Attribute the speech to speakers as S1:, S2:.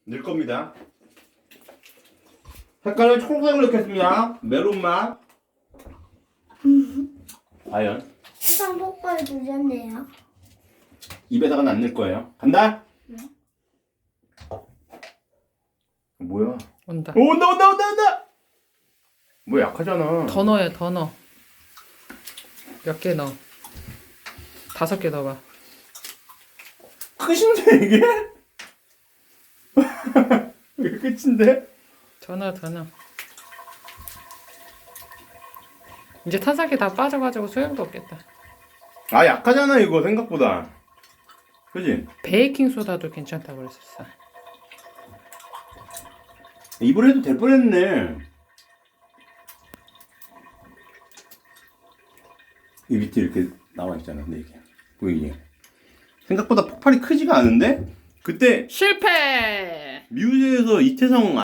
S1: 넣을 겁니다. 색깔을 초록색으로 넣겠습니다. 메론맛. 과연
S2: 해상 폭발 주셨네요.
S1: 입에다가는 안 넣을 거예요. 간다.
S2: 네.
S1: 뭐야?
S3: 온다.
S1: 오, 온다. 뭐 약하잖아.
S3: 더 넣어요, 더 넣어. 몇 개 넣어? 5개 넣어봐.
S1: 끝인데 이게? 이게 끝인데?
S3: 더 넣어, 더 넣어. 이제 탄산기 다 빠져가지고 소용도 없겠다.
S1: 아 약하잖아 이거 생각보다. 그지?
S3: 베이킹 소다도 괜찮다고 그랬었어.
S1: 입으로 해도 될 뻔했네. 이 밑에 이렇게 나와 있잖아. 근데 이게 보이니? 생각보다 폭발이 크지가 않은데? 그때
S3: 실패!
S1: 뮤즈에서 이태성